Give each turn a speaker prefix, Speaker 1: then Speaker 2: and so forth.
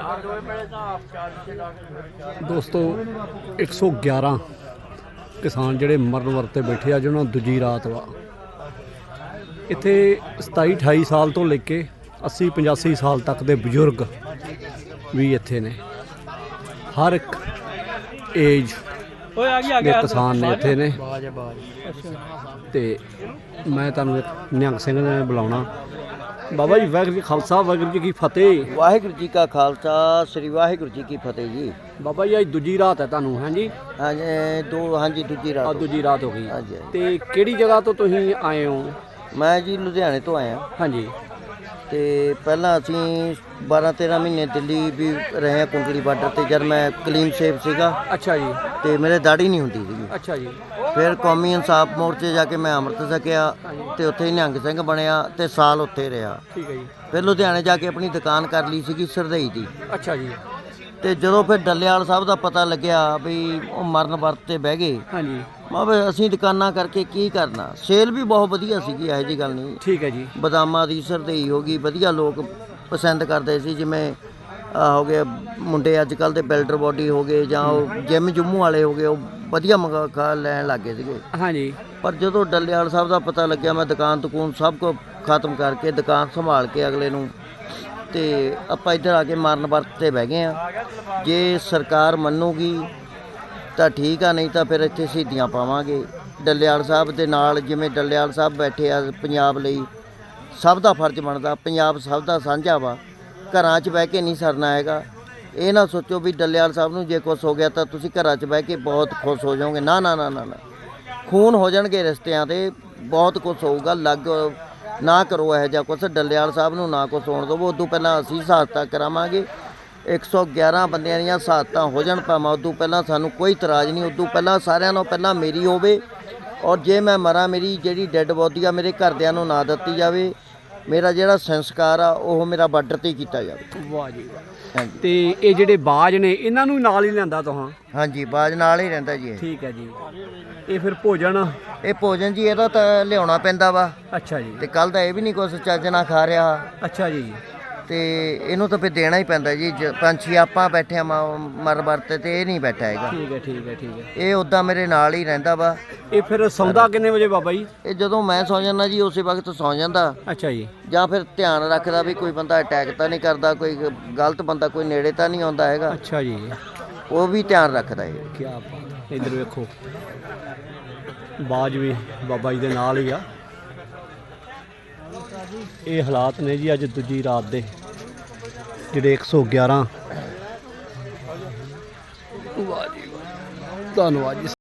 Speaker 1: ਦੋਸਤੋ 111 ਕਿਸਾਨ ਜਿਹੜੇ ਮਰਨ ਵਰਤੇ ਬੈਠੇ ਆ ਜਿਹਨਾਂ ਨੂੰ ਦੂਜੀ ਰਾਤ ਵਾ ਇੱਥੇ 27-28 ਸਾਲ ਤੋਂ ਲੈ ਕੇ 80-85 ਸਾਲ ਤੱਕ ਦੇ ਬਜ਼ੁਰਗ ਵੀ ਇੱਥੇ ਨੇ। ਹਰ ਇੱਕ ਏਜ ਦੇ ਕਿਸਾਨ ਨੇ ਇੱਥੇ ਨੇ। ਤੇ ਮੈਂ ਤੁਹਾਨੂੰ ਨਿਹੰਗ ਸਿੰਘ ਨੇ ਬੁਲਾਉਣਾ। ਬਾਬਾ ਜੀ ਵਾਹਿਗੁਰੂ ਜੀ ਖਾਲਸਾ ਵਾਹਿਗੁਰੂ ਜੀ ਕੀ ਫਤਿਹ।
Speaker 2: ਵਾਹਿਗੁਰੂ ਜੀ ਕਾ ਖਾਲਸਾ ਸ੍ਰੀ ਵਾਹਿਗੁਰੂ ਜੀ ਕੀ ਫਤਿਹ ਜੀ।
Speaker 1: ਬਾਬਾ ਜੀ ਅੱਜ ਦੂਜੀ ਰਾਤ ਹੈ ਤੁਹਾਨੂੰ? ਹਾਂਜੀ
Speaker 2: ਹਾਂਜੀ ਦੂਜੀ ਰਾਤ
Speaker 1: ਦੂਜੀ ਰਾਤ ਹੋ ਗਈ।
Speaker 2: ਹਾਂਜੀ।
Speaker 1: ਤੇ ਕਿਹੜੀ ਜਗ੍ਹਾ ਤੋਂ ਤੁਸੀਂ ਆਏ ਹੋ?
Speaker 2: ਮੈਂ ਜੀ ਲੁਧਿਆਣੇ ਤੋਂ ਆਇਆ।
Speaker 1: ਹਾਂਜੀ।
Speaker 2: ਤੇ ਪਹਿਲਾਂ ਅਸੀਂ 12-13 ਮਹੀਨੇ ਦਿੱਲੀ ਵੀ ਰਹੇ ਹਾਂ ਕੁੰਡਲੀ ਬਾਰਡਰ ਤੇ, ਜਦ ਮੈਂ ਕਲੀਨ ਸ਼ੇਪ ਸੀਗਾ।
Speaker 1: ਅੱਛਾ ਜੀ।
Speaker 2: ਤੇ ਮੇਰੇ ਦਾੜੀ ਨਹੀਂ ਹੁੰਦੀ ਸੀਗੀ।
Speaker 1: ਅੱਛਾ ਜੀ।
Speaker 2: ਫਿਰ ਕੌਮੀ ਇਨਸਾਫ ਮੋਰਚੇ ਜਾ ਕੇ ਮੈਂ ਅੰਮ੍ਰਿਤ ਛਕਿਆ ਤੇ ਉੱਥੇ ਹੀ ਨਿਹੰਗ ਸਿੰਘ ਬਣਿਆ ਤੇ ਸਾਲ ਉੱਥੇ ਰਿਹਾ।
Speaker 1: ਠੀਕ ਹੈ ਜੀ। ਫਿਰ
Speaker 2: ਲੁਧਿਆਣੇ ਜਾ ਕੇ ਆਪਣੀ ਦੁਕਾਨ ਕਰ ਲਈ ਸੀਗੀ ਸਰਦਈ ਦੀ।
Speaker 1: ਅੱਛਾ ਜੀ।
Speaker 2: ਤੇ ਜਦੋਂ ਫਿਰ ਡੱਲੇਵਾਲ ਸਾਹਿਬ ਦਾ ਪਤਾ ਲੱਗਿਆ ਵੀ ਉਹ ਮਰਨ ਵਰਤ ਤੇ ਬਹਿ ਗਏ,
Speaker 1: ਹਾਂਜੀ,
Speaker 2: ਮੈਂ ਵੀ ਅਸੀਂ ਦੁਕਾਨਾਂ ਕਰਕੇ ਕੀ ਕਰਨਾ। ਸੇਲ ਵੀ ਬਹੁਤ ਵਧੀਆ ਸੀਗੀ, ਇਹੋ ਜਿਹੀ ਗੱਲ ਨਹੀਂ।
Speaker 1: ਠੀਕ ਹੈ ਜੀ।
Speaker 2: ਬਦਾਮਾਂ ਦੀ ਸਰਦਈ ਹੋ ਗਈ, ਵਧੀਆ ਲੋਕ ਪਸੰਦ ਕਰਦੇ ਸੀ। ਜਿਵੇਂ ਹੋ ਗਏ ਮੁੰਡੇ ਅੱਜ ਕੱਲ੍ਹ ਦੇ ਬਿਲਡਰ ਬੋਡੀ ਹੋ ਗਏ ਜਾਂ ਉਹ ਜਿਮ ਜੁੰਮੂ ਵਾਲੇ ਹੋ ਗਏ, ਉਹ ਵਧੀਆ ਖਾ ਲੈਣ ਲੱਗ ਗਏ ਸੀਗੇ।
Speaker 1: ਹਾਂਜੀ।
Speaker 2: ਪਰ ਜਦੋਂ ਡੱਲੇਵਾਲ ਸਾਹਿਬ ਦਾ ਪਤਾ ਲੱਗਿਆ, ਮੈਂ ਦੁਕਾਨ ਤਕੂਨ ਸਭ ਕੁਝ ਖਤਮ ਕਰਕੇ ਦੁਕਾਨ ਸੰਭਾਲ ਕੇ ਅਗਲੇ ਨੂੰ ਤੇ ਆਪਾਂ ਇੱਧਰ ਆ ਕੇ ਮਰਨ ਵਰਤ ਤੇ ਬਹਿ ਗਏ ਆ। ਜੇ ਸਰਕਾਰ ਮੰਨੂਗੀ ਤਾਂ ਠੀਕ ਆ, ਨਹੀਂ ਤਾਂ ਫਿਰ ਇੱਥੇ ਸ਼ਹੀਦੀਆਂ ਪਾਵਾਂਗੇ ਡੱਲੇਵਾਲ ਸਾਹਿਬ ਦੇ ਨਾਲ। ਜਿਵੇਂ ਡੱਲੇਵਾਲ ਸਾਹਿਬ ਬੈਠੇ ਆ ਪੰਜਾਬ ਲਈ, ਸਭ ਦਾ ਫਰਜ਼ ਬਣਦਾ। ਪੰਜਾਬ ਸਭ ਦਾ ਸਾਂਝਾ ਵਾ, ਘਰਾਂ 'ਚ ਬਹਿ ਕੇ ਨਹੀਂ ਸਰਨਾ ਹੈਗਾ। ਇਹ ਨਾ ਸੋਚੋ ਵੀ ਡੱਲੇਵਾਲ ਸਾਹਿਬ ਨੂੰ ਜੇ ਕੁਛ ਹੋ ਗਿਆ ਤਾਂ ਤੁਸੀਂ ਘਰਾਂ 'ਚ ਬਹਿ ਕੇ ਬਹੁਤ ਖੁਸ਼ ਹੋ ਜਾਓਗੇ। ਨਾ ਨਾ ਨਾ ਨਾ ਨਾ, ਖੂਨ ਹੋ ਜਾਣਗੇ ਰਿਸ਼ਤਿਆਂ ਦੇ, ਬਹੁਤ ਕੁਛ ਹੋਊਗਾ। ਲੱਗ ਨਾ ਕਰੋ ਇਹੋ ਜਿਹਾ ਕੁਛ। ਡੱਲੇਵਾਲ ਸਾਹਿਬ ਨੂੰ ਨਾ ਕੁਛ ਹੋਣ ਦਿਓ। ਉਦੋਂ ਪਹਿਲਾਂ ਅਸੀਂ ਸ਼ਹਾਦਤਾਂ ਕਰਾਵਾਂਗੇ। 111 ਬੰਦਿਆਂ ਦੀਆਂ ਸ਼ਹਾਦਤਾਂ ਹੋ ਜਾਣ ਭਾਵੇਂ, ਉਦੋਂ ਪਹਿਲਾਂ ਸਾਨੂੰ ਕੋਈ ਇਤਰਾਜ਼ ਨਹੀਂ। ਉਦੋਂ ਪਹਿਲਾਂ ਸਾਰਿਆਂ ਨਾਲੋਂ ਪਹਿਲਾਂ ਮੇਰੀ ਹੋਵੇ, ਔਰ ਜੇ ਮੈਂ ਮਰਾਂ ਮੇਰੀ ਜਿਹੜੀ ਡੈੱਡ ਬੋਡੀ ਆ ਮੇਰੇ ਘਰਦਿਆਂ ਨੂੰ ਨਾ ਦਿੱਤੀ ਜਾਵੇ। ਮੇਰਾ ਜਿਹੜਾ ਸੰਸਕਾਰ ਆ ਉਹ ਮੇਰਾ ਬਾਰਡਰ 'ਤੇ ਹੀ ਕੀਤਾ ਜਾਵੇ।
Speaker 1: ਵਾਹ ਜੀ ਵਾਹ।
Speaker 2: ਹਾਂਜੀ।
Speaker 1: ਤੇ ਇਹ ਜਿਹੜੇ ਬਾਜ ਨੇ ਇਹਨਾਂ ਨੂੰ ਨਾਲ ਹੀ ਲਿਆਂਦਾ ਤੁਹਾਂ?
Speaker 2: ਹਾਂਜੀ, ਬਾਜ ਨਾਲ ਹੀ ਰਹਿੰਦਾ ਜੀ ਇਹ।
Speaker 1: ਠੀਕ ਹੈ ਜੀ। ਇਹ ਫਿਰ ਭੋਜਨ?
Speaker 2: ਇਹ ਭੋਜਨ ਜੀ ਇਹਦਾ ਤਾਂ ਲਿਆਉਣਾ ਪੈਂਦਾ ਵਾ।
Speaker 1: ਅੱਛਾ ਜੀ।
Speaker 2: ਤੇ ਕੱਲ ਦਾ ਇਹ ਵੀ ਨਹੀਂ ਕੁਛ ਚੱਜ ਨਾਲ ਖਾ ਰਿਹਾ।
Speaker 1: ਅੱਛਾ ਜੀ।
Speaker 2: ਤੇ ਇਹਨੂੰ ਤਾਂ ਫਿਰ ਦੇਣਾ ਹੀ ਪੈਂਦਾ ਜੀ। ਪੰਛੀ ਆਪਾਂ ਬੈਠੇ ਆ ਮਰ ਵਰਤੇ ਤੇ ਇਹ ਨਹੀਂ ਬੈਠਾ ਹੈਗਾ।
Speaker 1: ਠੀਕ ਹੈ ਠੀਕ ਹੈ ਠੀਕ ਹੈ।
Speaker 2: ਇਹ ਉੱਦਾਂ ਮੇਰੇ ਨਾਲ ਹੀ ਰਹਿੰਦਾ ਵਾ।
Speaker 1: ਇਹ ਫਿਰ ਸੌਂਦਾ ਕਿੰਨੇ ਵਜੇ ਬਾਬਾ ਜੀ?
Speaker 2: ਇਹ ਜਦੋਂ ਮੈਂ ਸੌਂ ਜਾਂਦਾ ਜੀ ਉਸੇ ਵਕਤ ਸੌਂ ਜਾਂਦਾ।
Speaker 1: ਅੱਛਾ ਜੀ। ਜਾਂ
Speaker 2: ਫਿਰ ਧਿਆਨ ਰੱਖਦਾ ਵੀ ਕੋਈ ਬੰਦਾ ਅਟੈਕ ਤਾਂ ਨਹੀਂ ਕਰਦਾ, ਕੋਈ ਗਲਤ ਬੰਦਾ ਕੋਈ ਨੇੜੇ ਤਾਂ ਨਹੀਂ ਆਉਂਦਾ ਹੈਗਾ।
Speaker 1: ਅੱਛਾ ਜੀ।
Speaker 2: ਉਹ ਵੀ ਧਿਆਨ ਰੱਖਦਾ ਇਹ।
Speaker 1: ਕੀ ਬਾਤ। ਇੱਧਰ ਵੇਖੋ ਬਾਜ ਵੀ ਬਾਬਾ ਜੀ ਦੇ ਨਾਲ ਹੀ ਆ। ਇਹ ਹਾਲਾਤ ਨੇ ਜੀ ਅੱਜ ਦੂਜੀ ਰਾਤ ਦੇ, ਜਿਹੜੇ 111। ਵਾਹ ਜੀ ਵਾਹ, ਧੰਨਵਾਦ ਜੀ।